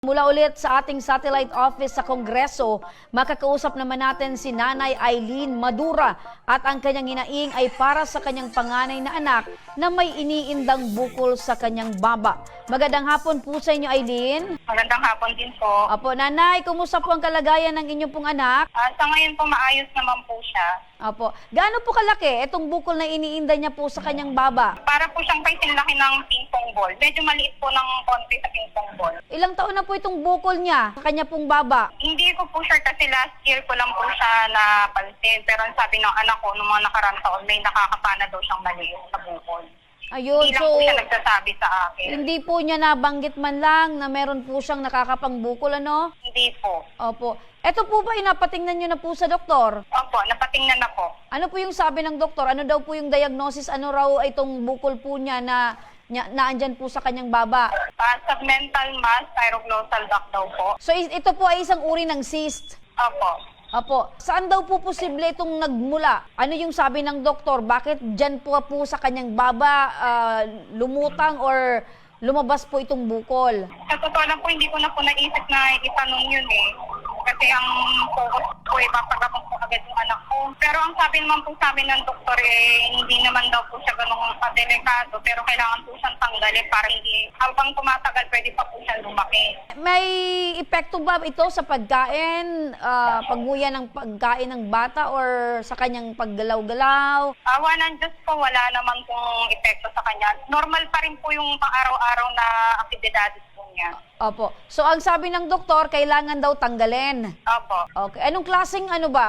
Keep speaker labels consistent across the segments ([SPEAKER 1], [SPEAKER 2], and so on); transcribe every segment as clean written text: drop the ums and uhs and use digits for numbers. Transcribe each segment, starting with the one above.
[SPEAKER 1] Mula ulit sa ating satellite office sa Kongreso, makakausap naman natin si Nanay Eileen Madura at ang kanyang hinaing ay para sa kanyang panganay na anak na may iniindang bukol sa kanyang baba. Magandang hapon po sa inyo, Eileen.
[SPEAKER 2] Magandang hapon din po.
[SPEAKER 1] Apo, Nanay, kumusta po ang kalagayan ng inyong pong anak?
[SPEAKER 2] Sa ngayon po maayos naman po siya.
[SPEAKER 1] Apo, gaano po kalaki itong bukol na iniinda niya po sa kanyang baba?
[SPEAKER 2] Para po siyang kasing laki ng ping-pong ball. Medyo maliit po ng konti sa ping-pong ball.
[SPEAKER 1] Ilang taon na po itong bukol niya sa kanya pong baba?
[SPEAKER 2] Hindi ko po sure kasi last year ko lang po siya napansin. Pero ang sabi ng anak ko, nung mga nakarang taon, may nakakapana daw siyang maliit sa bukol.
[SPEAKER 1] Ayun,
[SPEAKER 2] Hindi lang
[SPEAKER 1] so
[SPEAKER 2] po siya nagsasabi sa akin.
[SPEAKER 1] hindi po niya nabanggit man lang na meron po siyang nakakapangbukol, ano?
[SPEAKER 2] Hindi po.
[SPEAKER 1] Opo. Ito po ba inapatingnan niyo na po sa doktor?
[SPEAKER 2] Opo, napatingnan ako.
[SPEAKER 1] Ano po yung sabi ng doktor? Ano daw po yung diagnosis? Ano raw itong bukol po niya na andyan po sa kanyang baba?
[SPEAKER 2] Submental mass pyroglossal duct daw po.
[SPEAKER 1] So ito po ay isang uri ng cyst.
[SPEAKER 2] Opo.
[SPEAKER 1] Opo. Saan daw po posible itong nagmula? Ano yung sabi ng doktor? Bakit dyan po sa kanyang baba lumutang or lumabas po itong bukol?
[SPEAKER 2] Sa totoo lang po, hindi ko na po naisip na itanong yun eh. Kasi ang focus ko, ipapagamot ko agad yung anak ko. Pero ang sabi naman po sa amin ng doktor hindi naman daw po siya ganun kadelikado. Pero kailangan po siyang tanggalin para hindi, habang tumatagal, pwede pa po siyang lumaki.
[SPEAKER 1] May epekto ba ito sa pagkain, pagmuya ng pagkain ng bata or sa kanyang paggalaw-galaw?
[SPEAKER 2] Awa ng Diyos po, wala naman pong epekto sa kanya. Normal pa rin po yung pang-araw-araw na aktibidades po niya.
[SPEAKER 1] Opo. So ang sabi ng doktor, kailangan daw tanggalin.
[SPEAKER 2] Opo.
[SPEAKER 1] Okay. Anong klaseng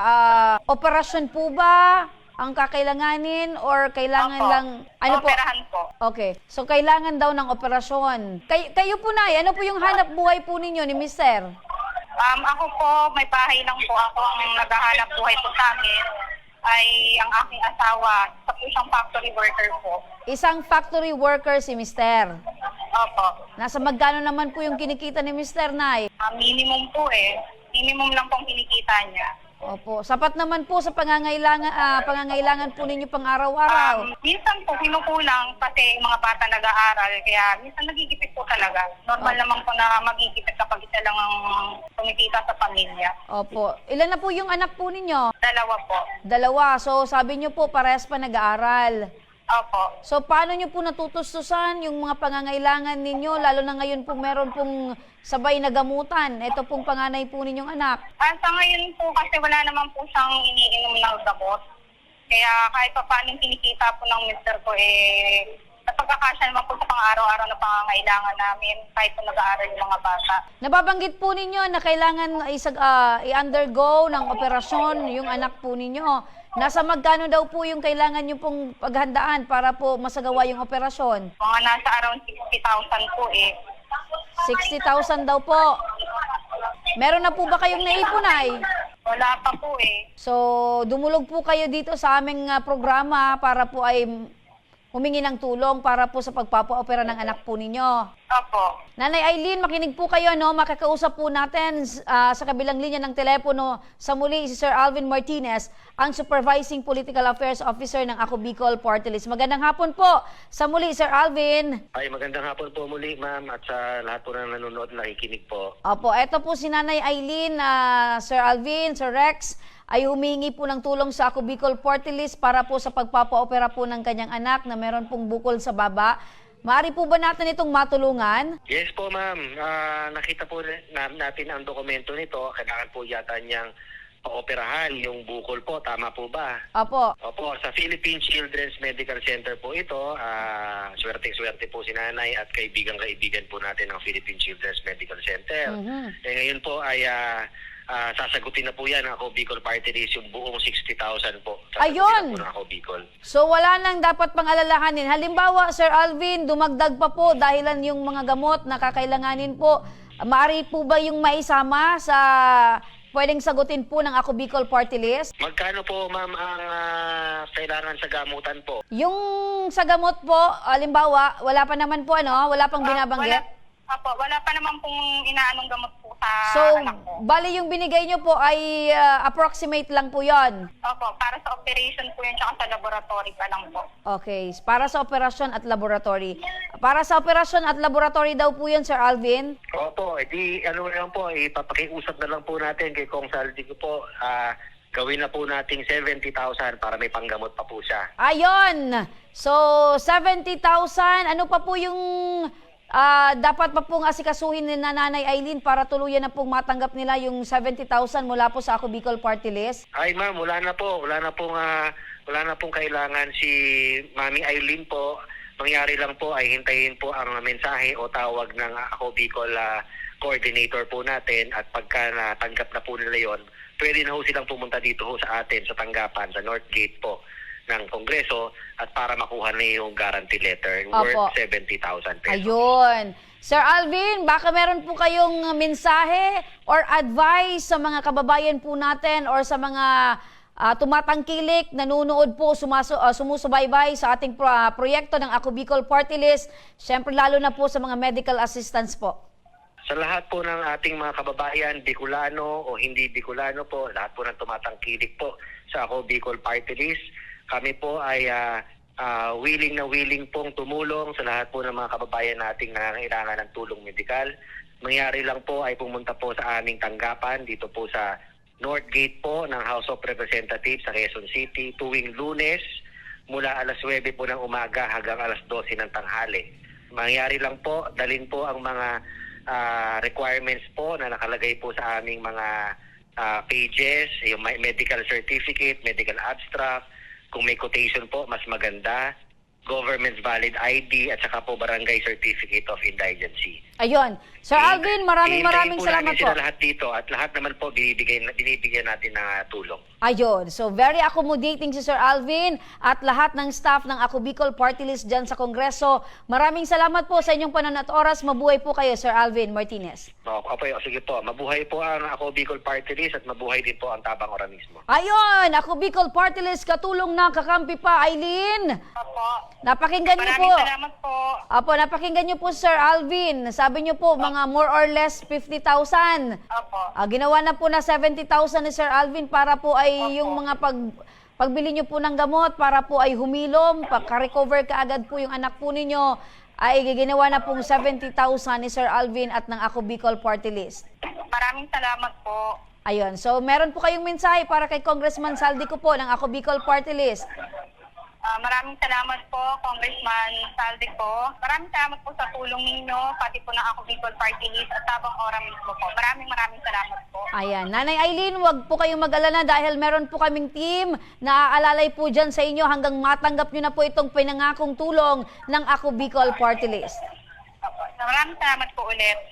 [SPEAKER 1] operasyon po ba ang kakailanganin or kailangan
[SPEAKER 2] Opo.
[SPEAKER 1] lang
[SPEAKER 2] Operahan po.
[SPEAKER 1] Okay. So kailangan daw ng operasyon. Kayo po na, ano po yung hanap buhay po ninyo ni Mister?
[SPEAKER 2] Ako po, may bahay lang po ako. Ang naghahanap buhay po sa amin ay ang aking asawa. Sa po siyang factory worker po.
[SPEAKER 1] Isang factory worker si Mister.
[SPEAKER 2] Opo.
[SPEAKER 1] Nasa magkano naman po yung kinikita ni Mister, Nay?
[SPEAKER 2] Minimum po eh. Minimum lang pong kinikita niya.
[SPEAKER 1] Opo. Sapat naman po sa pangangailangan po ninyo pang araw-araw.
[SPEAKER 2] Minsan po kinukulang kasi yung mga bata nag-aaral. Kaya minsan nagigipit po talaga. Normal naman po na magigipit kapag isa lang ang kumikita sa pamilya.
[SPEAKER 1] Opo. Ilan na po yung anak po ninyo?
[SPEAKER 2] Dalawa po.
[SPEAKER 1] Dalawa. So sabi niyo po parehas pa nag-aaral.
[SPEAKER 2] Opo.
[SPEAKER 1] So paano niyo po natutustusan yung mga pangangailangan ninyo lalo na ngayon po meron pong sabay na gamutan? Ito pong panganay po ninyong anak.
[SPEAKER 2] Sa ngayon po kasi wala naman po siyang iniinom ng gamot. Kaya kahit pa paano kinikita po ng mister ko napagkakasya naman po sa pang-araw-araw na pangangailangan namin kahit po nag-aaral yung mga bata.
[SPEAKER 1] Nababanggit po ninyo na kailangan i-undergo ng operasyon yung anak po ninyo. Nasa magkano daw po yung kailangan nyo pong paghandaan para po masagawa yung operasyon?
[SPEAKER 2] Mga nasa around 60,000 po
[SPEAKER 1] 60,000 daw po. Meron na po ba kayong naipunay?
[SPEAKER 2] Wala pa po
[SPEAKER 1] So, dumulog po kayo dito sa aming programa para po ay humingi ng tulong para po sa pagpapa-opera ng anak po ninyo.
[SPEAKER 2] Opo.
[SPEAKER 1] Nanay Eileen, makinig po kayo, no? Makakausap po natin sa kabilang linya ng telepono sa muli si Sir Alvin Martinez, ang Supervising Political Affairs Officer ng Ako Bicol Party List. Magandang hapon po sa muli, Sir Alvin.
[SPEAKER 3] Ay, magandang hapon po muli, ma'am, at sa lahat po na nanonood na nakikinig po.
[SPEAKER 1] Opo, eto po si Nanay Eileen, Sir Alvin, Sir Rex, ay humingi po ng tulong sa Ako Bicol Party List para po sa pagpapa-opera po ng kanyang anak na meron pong bukol sa baba. Maaari po ba natin itong matulungan?
[SPEAKER 3] Yes po, ma'am. Nakita po natin ang dokumento nito. Kailangan po yata niyang paoperahan yung bukol po. Tama po ba?
[SPEAKER 1] Opo.
[SPEAKER 3] Opo, sa Philippine Children's Medical Center po ito. Swerte-swerte po si nanay at kaibigan-kaibigan po natin ng Philippine Children's Medical Center. Ngayon po ay sasagutin na po yan ng Ako Bicol Party List yung buong 60,000 po.
[SPEAKER 1] Ayun!
[SPEAKER 3] Po ng Ako Bicol.
[SPEAKER 1] So wala nang dapat pang alalahanin. Halimbawa, Sir Alvin, dumagdag pa po dahilan yung mga gamot na kakailanganin po. Maaari po ba yung maisama sa pwedeng sagutin po ng Ako Bicol Party List?
[SPEAKER 3] Magkano po, ma'am, ang kailangan sa gamutan po?
[SPEAKER 1] Yung sa gamot po, halimbawa, wala pa naman po wala pang binabanggit?
[SPEAKER 2] Opo, wala pa naman pong inaanong gamot po sa
[SPEAKER 1] So,
[SPEAKER 2] anak ko.
[SPEAKER 1] bali yung binigay nyo po ay approximate lang po yon.
[SPEAKER 2] Opo, para sa operation po yun, tsaka sa laboratory pa lang po.
[SPEAKER 1] Okay, para sa operasyon at laboratory. Para sa operasyon at laboratory daw po yun, Sir Alvin?
[SPEAKER 3] Opo, edi ano lang po, ipapakiusap na lang po natin kay Kong Saldi ko po, gawin na po nating 70,000 para may panggamot pa po siya.
[SPEAKER 1] Ayon! So, 70,000, ano pa po yung dapat pa pong asikasuhin ni Nanay Aileen para tuluyan na pong matanggap nila yung 70,000 mula po sa Ako Bicol Party List?
[SPEAKER 3] Ay ma'am, wala na pong kailangan si Mami Aileen po. Mangyari lang po ay hintayin po ang mensahe o tawag ng Ako Bicol coordinator po natin, at pagka natanggap na po nila yon, pwede na ho silang pumunta dito ho sa atin sa tanggapan sa North Gate po ng Kongreso at para makuha na yung guarantee letter
[SPEAKER 1] Opo.
[SPEAKER 3] worth 70,000 pesos.
[SPEAKER 1] Ayun. Sir Alvin, baka meron po kayong mensahe or advice sa mga kababayan po natin or sa mga tumatangkilik, nanonood po, sumusubaybay sa ating proyekto ng Ako Bicol Party List, syempre lalo na po sa mga medical assistance po.
[SPEAKER 3] Sa lahat po ng ating mga kababayan, Bicolano o hindi Bicolano po, lahat po ng tumatangkilik po sa Ako Bicol Party List, kami po ay willing na willing pong tumulong sa lahat po ng mga kababayan nating nangangailangan ng tulong medikal. Mangyari lang po ay pumunta po sa aming tanggapan dito po sa North Gate po ng House of Representatives sa Quezon City tuwing Lunes mula alas 9 po ng umaga hanggang alas 12 ng tanghali. Mangyari lang po, dalhin po ang mga requirements po na nakalagay po sa aming mga pages, yung medical certificate, medical abstract, kung may quotation po, mas maganda, government's valid ID, at saka po barangay certificate of indigency.
[SPEAKER 1] Ayun. Sir Alvin, maraming salamat po.
[SPEAKER 3] Sila lahat dito at lahat naman po binibigyan natin ng tulong.
[SPEAKER 1] Ayun. So, very accommodating si Sir Alvin at lahat ng staff ng Ako Bicol Party List dyan sa Kongreso. Maraming salamat po sa inyong panahon at oras. Mabuhay po kayo, Sir Alvin Martinez.
[SPEAKER 3] Sige po. Mabuhay po ang Ako Bicol Party List at mabuhay din po ang Tabang Ora mismo.
[SPEAKER 1] Ayun! Ako Bicol Party List, katulong na kakampi pa, Aileen.
[SPEAKER 2] Opo.
[SPEAKER 1] Napakinggan niyo po.
[SPEAKER 2] Maraming salamat po.
[SPEAKER 1] Apo, napakinggan niyo po, Sir Alvin. Sabi niyo po, mga more or less 50,000.
[SPEAKER 2] Opo.
[SPEAKER 1] Ginawa na po na 70,000 ni Sir Alvin para po ay yung mga pagbili niyo po ng gamot, para po ay humilom, pagka-recover kaagad po yung anak po ninyo, ay ginawa na pong 70,000 ni Sir Alvin at ng Ako Bicol Party List.
[SPEAKER 2] Maraming salamat po.
[SPEAKER 1] Ayun, so meron po kayong mensahe para kay Congressman Saldi ko po ng Ako Bicol Party List.
[SPEAKER 2] Maraming salamat po, Congressman Saldi ko. Maraming salamat po sa tulong ninyo, pati po ng Ako Bicol Party List at Tabang Ora mismo po. Maraming salamat po.
[SPEAKER 1] Ayan, Nanay Aileen, wag po kayong mag-alala dahil meron po kaming team na aalalay po dyan sa inyo hanggang matanggap nyo na po itong pinangakong tulong ng Ako Bicol Party List.
[SPEAKER 2] Maraming salamat po ulit.